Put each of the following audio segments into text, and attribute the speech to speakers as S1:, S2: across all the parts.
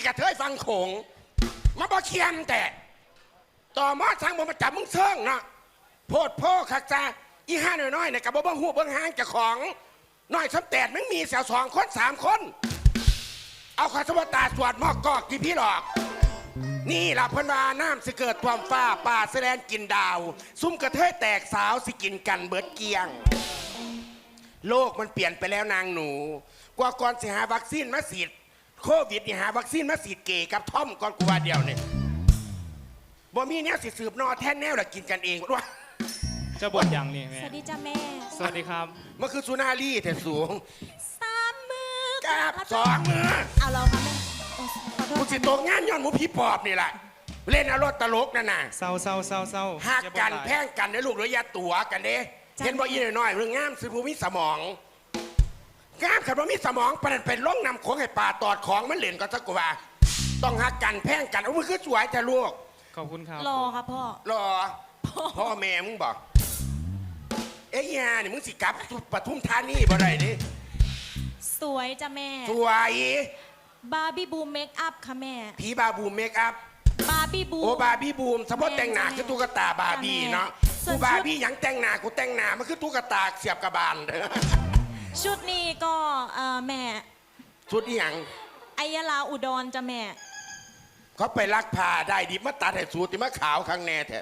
S1: กระเทยฟังโขงมาบ่เคียมแต่ต่อมอทางบ่มาจับมึงเชิงเนาะโพดโพคักจ้าอีห้าน้อยๆเนี่ยกับบ่หูเบิ่งหางเจ้าของน้อยสำแตดมึงมีเสี่ยว2 คน3 คนเอาข้าสวัสตาสวดมอกกอกที่พี่หลอกนี่ล่ะเพิ่นว่าน้ำสิเกิดความฟ้าป่าแสดงกินดาวซุ่มกระเทยแตกสาวสิกินกันเบิดเกียงโลกมันเปลี่ยนไปแล้วนางหนูกว่าก่อนสิหาวัคซีนมาฉีดโควิดนี่หาวัคซีนมาฉีดเกย์กับท่อมก่อนกูว่าเดียวเนี่ยบ่มีแนวสิสืบนอแท้แนวละกินกันเองวะ
S2: เจ้าบทยังนี่แม่
S3: สวัสดีจ้าแม่
S2: สวัสดีครับ
S1: มันคือสุนารีแต่สูง
S3: 3 มือ
S1: กับ2 มือ
S3: เอาเราค่ะแม่
S1: กูสิตกงานย้อนหมูผีปอบนี่แหละเล่นอารมณ์ตลกนั่นน่ะ
S2: เศร้า
S1: หักกันแพ่งกันในลูกหรือยาตัวกันเด้เห็นบ่อีน้อยๆเรื่องงามสิผู้มีสมองงามขับว่ามีสมองประเด็นเป็นล่องนำของให้ป่าตอดของมันเหรียญก็สักกว่าต้องหักกันแพ่งกันเอามือขึ้นสวยแต่ลูก
S2: ขอบคุณครับ
S3: รอครับพ่อ
S1: รอพ่อแม่มึงบอกเอ้ยานี่มึงสิกลับปทุมธานีบ่ได้ดิ
S3: สวยจ้าแม่
S1: สวย
S3: บาร์บี้บูมเมคอัพค่ะแม่
S1: ผีบาบูมเมคอัพ
S3: บาร์บี้บูม
S1: โอ้บาร์บี้บูมสมมติแต่งหน้าคือตุ๊กตาบาร์บี้เนาะกูบาร์บี้ยังแต่งหน้ากูแต่งหน้ามันคือตุ๊กตาเสียบกระบาล
S3: ชุดนี้ก็แม่
S1: ชุดนี้ยัง
S3: อายลาอุดรจ้าแม่
S1: เขาไปลักพาได้ดิมาตัดให้สูติมาขาวข้างแน่แท้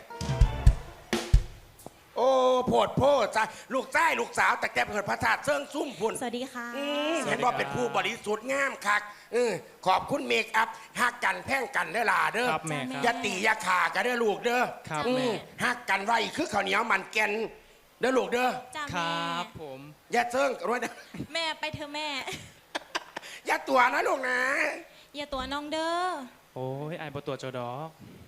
S1: โอ้โพดโพดจ้าลูกชายลูกสาวแต่แกเปิดพระธาตุเซิงซุ่มพุ่น
S3: สวัสดีค่ะ
S1: เห็นว่าเป็นผู้บริสุทธิ์งามคักขอบคุณเมคอัพหักกันแพ่งกันเด้อล่ะเด้ออย่าตีอย่าขากันเด้อลูกเด้อหักกันไว้คือข้าวเหนียวมันแกนเด้อลูกเด้อ
S2: ครับผม
S1: อย่าเซิงรวยนะ
S3: แม่ไปเถอะแม่
S1: อย่าตัวนะลูกนะ
S3: อย่าตัวน้องเด้อ
S2: โอ้ยไอ้บตัวโจดอก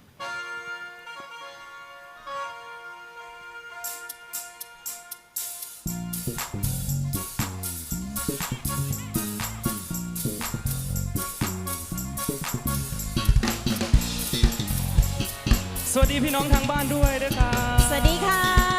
S2: สวัสดีพี่น้องทางบ้านด้วยนะครับ
S3: สวัสดีค่ะ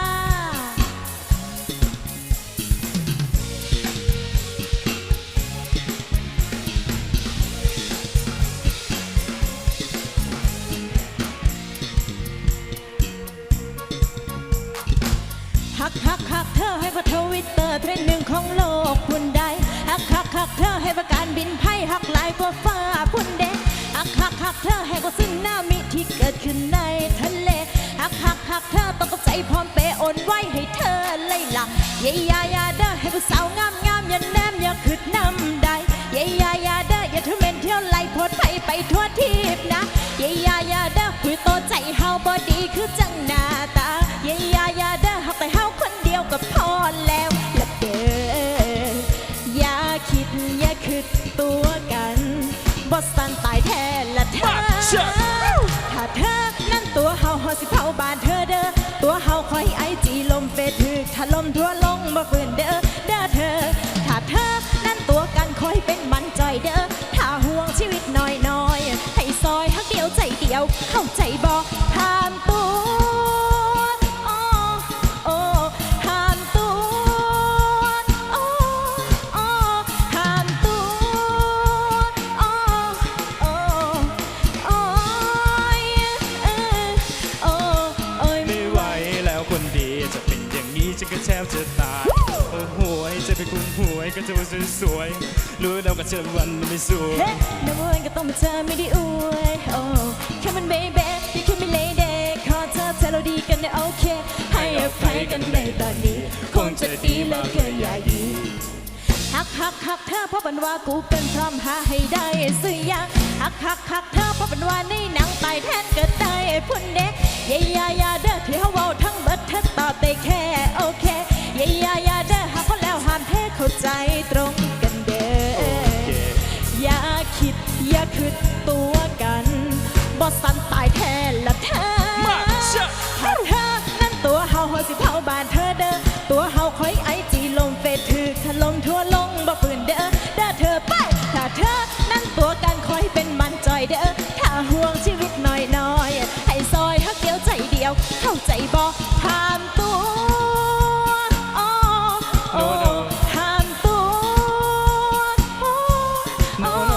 S3: ฮักเธอให้พอทวิตเตอร์เทรนด์1ของโลกคุณได้ฮักเธอให้ประการบินไพ่ฮักหลายกว่าฟ้าคุณเด็กฮักเธอให้กว่าซึนามิที่เกิดขึ้นในทะเลฮักเธอต้องใจพร้อมเปโอนไว้ให้เธอเลยล่ะยาเด้อให้ผู้สาวงามอย่าแนมอย่าขึ้นนำได้ยาเด้ออย่าทำเป็นเที่ยวไล่พดไปทั่วทิพนะยาเด้อคุยโตใจเฮาบอดีคือจังหน้าตายาเด้อหักแต่เฮาคนเดียวก็พอแล้วละเด้ออย่าคิดตัวกันบอสตันตายแท้ละเธอถ้าเธอนั่นตัวเฮาสิเผาบ้านเธอเด้อตัวเฮาคอยไอจีลมเฟซถึกถล่มทั่วลงบ่ฝืนเด้อเธอถ้าเธอนั่นตัวกันคอยเป็นมันจอยเด้อถ้าห่วงชีวิตน้อยให้ซอยฮักเดียวใจเดียวเข้าใจบ่ห้ามตัว
S2: แทบจะตายโอ้โหจะเป็นคุณหวยก็จะว่าสวยรู้แล้วก็เจอวันไม่สวย
S3: น้ำมันก็ต้องมาเธอไม่ได้อวยโอ้แค่มันเบย์ที่แค่ไม่เลยเด็กขอเธอเราดีกันได้โอเคให้อภัยกันในตอนนี้คงจะดีแล้วเกินอย่ายีฮักเธอเพราะเป็นว่ากูเป็นพร้อมหาให้ได้ซื้อยังฮักเธอเพราะเป็นว่าในหนังตายแทนเกิดได้พุ่นเด็กยาเด้อที่เขาเว้าทั้งเบิดเธอตอบได้แค่โอเคยาเด้อหากเขาแล้วห้ามเทเข้าใจตรงกันเด้ออย่าคิดตัวกันบอสันตายแทนละเธอถ้าเธอนั่นตัวเฮาสิเผาบ้านเธอเด้อตัวเฮาคอยไอจีลงเฟซถึกถล่มทั่วลงบ่ฝืนเด้อเธอไปถ้าเธอนั่นตัวกันคอยเป็นมันจอยเด้อถ้าห่วงชีวิตน้อยให้ซอยฮักเดียวใจเดียวเข้าใจบ่ห้ามตัวห้ามตัว